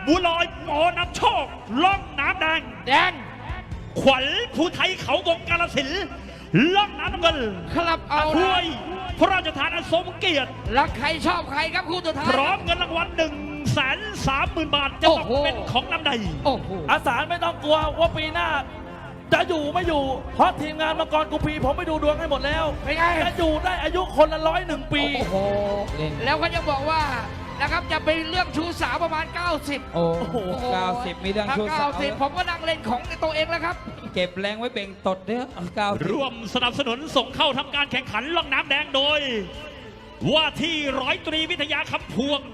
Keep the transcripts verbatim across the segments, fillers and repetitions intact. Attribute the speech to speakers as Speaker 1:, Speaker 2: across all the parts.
Speaker 1: บัวลอยหมอนำโชคล่องน้ำแดง
Speaker 2: แดง
Speaker 1: ขวัญผู้ไทยเขาวงกาฬสินธุ์ล่องน้ำน้ำเงิน
Speaker 2: ครับเอา
Speaker 1: ถ้วยพระราชทานอันทรงเกียรติ
Speaker 2: รักใครชอบใครครับคู่สุดท้าย
Speaker 1: พร้อมเงินรางวัลหนึ่งแสนสามหมื่นบาทจะตกเป็นของน้ำใด
Speaker 2: โอ้โห
Speaker 3: อาสารไม่ต้องกลัวว่าปีหน้าจะอยู่ไม่อยู่เพราะทีมงานมังกรกุพีผมไปดูดวงให้หมดแล้วจะอยู่ได้อายุคนละร้อยหนึ่งปี
Speaker 2: โอ้โหแล้วก็ยังบอกว่านะครับจะเป็นเรื่องชูสาวประมาณเก้าสิบ
Speaker 4: โอ้โหเก้าสิบมีเรื่องชูสาว
Speaker 2: เก้าสิบผมก็นั่งเล่นของตัวเองแล้วครับ
Speaker 4: เก็บแรงไว้เบ่งตดเด้อเก้า
Speaker 1: ร่วมสนับสนุนส่งเข้าทำการแข่งขันล่องน้ำแดงโดยว่าที่ร้อยตรีวิทยาคำพวง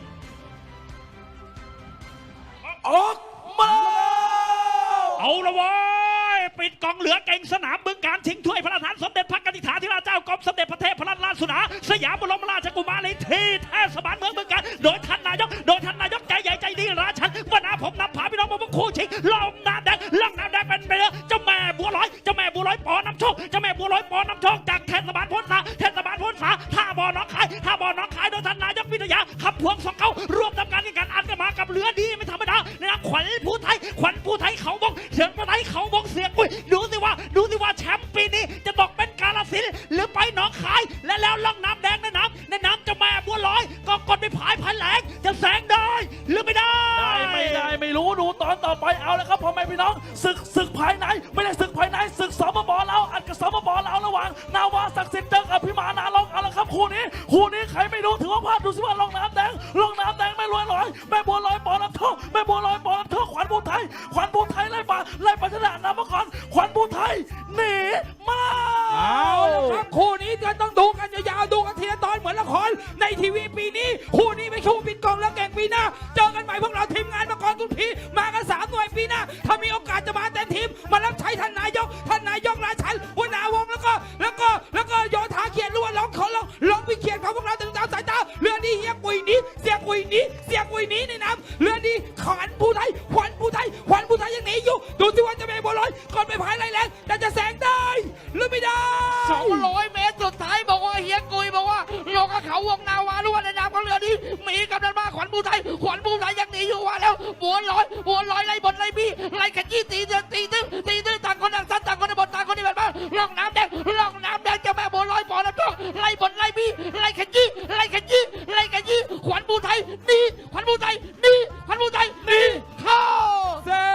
Speaker 3: ออกมา
Speaker 1: เอาละวะปิดกองเหลือเก่งสนามบึงการชิงถ้วยพระราชทานสมเด็จพระกนิษฐาธิราชเจ้ากรมสมเด็จพระเทพรัตนราชสุดาสยามบรมราชกุมารีที่เทศบาลเมืองบึงการโดยท่านนายกโดยท่านนายกใจใหญ่ใจดีราชันวนาผมนำพาพี่น้องมาพวกคู่ชิงล่องน้ำแดงล่องน้ำแดงเป็นเรือเจ้าแม่บัวลอยเจ้าแม่บัวลอยปอน้ำโชคเจ้าแม่บัวลอยปอน้ำโชคจากเทศบาลพ้นสาเทศบาลพ้นสาท่าบ่อน้องคายท่าบ่อน้องคายโดยท่านนายกวิทยาขับพวงสองเขาร่วมทำการแข่งขันอันกันมากับเรือดีไม่ธรรมดาในนามขวัญผู้ไทยขวัญผู้ไทยเขาบงเสียงผู้ไทยเขาบงเสียงอุ้ยดูสิว่าดูสิว่าแชมป์ปีนี้จะตกเป็นกาฬสินธุ์หรือไปหนองคายและแล้วล่องน้ำแดงในน้ำในน้ำเจ้าแม่บัวลอยก็กดไปผายพันแหลงจะแสงได้หรือไม่ได้
Speaker 3: ได้ไม่ได้ไม่รู้ดูตอนต่อไปเอาแล้วครับพ่อแม่พี่น้องศึกศึกภายในไม่ได้ศึกภายในศึกสมบเราอัดกับสมบเราระหว่างนาวาศักดิ์สิทธิ์เจอกับพิมานาลองเอาละครับคู่นี้คู่นี้ใครไม่รู้ถือว่าพลาดดูสิว่าล่องน้ำแดงล่องน้ำแดงไม่รวยลอยแม่บัวลอยปอน้ำท่อแม่บัวลอยปอน้ำท่อขวัญผู้ไทยขวัญผู้ไทยไล่ป่าไล่ปัชนะนามก่อนขวัญผู้ไทยหนีมา
Speaker 2: เอาละครับคู่นี้จะต้องดูกันยาวๆดูกันทีละตอนเหมือนละครในทีวีปีนี้คู่นี้ไม่คู่ปิดกองแล้วแก่งปีหน้าเจอกันใหม่พวกเราทีมงานมังกรกุพีมากันสามหน่วยปีหน้าถ้ามีโอกาสจะมาเต็มทีมมารับใช้ท่านนายกท่านนายกราชันหัวหน้าวงแล้วก็แล้วก็แล้วก็โยธาเขียนรู้ว่าร้องขอร้องร้องวิเขียนของพวกเราตึงตามสายตาเรือนี้เฮียกุยนี้เสียกุยนี้เสียกุยนี้ในน้ำเรือนี้ขวัญผู้ไทยขวัญผู้ไทยขวัญผู้ไทยยังหนีอยู่ดูสิว่าจะเป็นบัวลอยก่อนไปพายไรแรงแต่จะแสงได้หรือไม่ได้สองร้อยเมตรสุดท้ายบอกว่าเฮียกุยบอกว่าโยกเขาวงนาวารู้ว่าในน้ำของเรือนี้มีกำลังมาขวัญผู้ไทยขวัญผู้ไทยยังหนีอยู่ว่าแล้วบัวลอยบัวลอยไล่บนไล่บี้ไล่ขยี้ตีเดือดตีตื้อตีตื้อต่างคนต่างซัดต่างคนในบนต่างคนในแบบว่าล่องน้ำแดงล่องน้ำแดงเจ้าแม่บัวลอยปอน้ำโชคไล่บนไล่บี้ไล่ขยี้ไล่ขยี้ไล่ขยี้ขวัญผู้ไทยดีขวัญผู้ไทยดีขวัญผู้ไทยดีเข้า
Speaker 3: เส้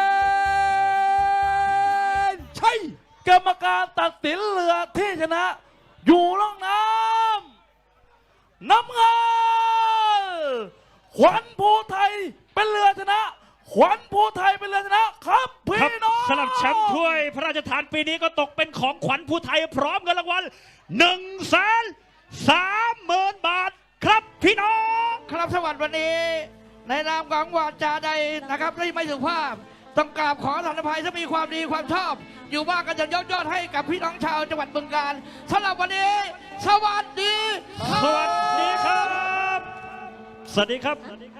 Speaker 3: นชัยกรรมการตัดสินเรือที่ชนะอยู่ล่องน้ำน้ำเงินขวัญผู้ไทยเป็นเรือชนะขวัญผู้ไทยเป็นเรือชนะครับพี่น้อง
Speaker 1: สำหรับแชมป์ถ้วยพระราชทานปีนี้ก็ตกเป็นของขวัญผู้ไทยพร้อมเงินรางวัลหนึ่งแสนสามหมื่นบาทครับพี่น้อง
Speaker 2: ครับสวัสดีวันนี้ในนามของวาจาใดนะครับที่ไม่สุภาพต้องกราบขออภัยถ้ามีความดีความชอบอยู่บ้านกันจะยอดยอดให้กับพี่น้องชาวจังหวัดบึงกาฬสำหรับวันนี้สวัสดี
Speaker 1: สวัสดีครับสวัสดีครับ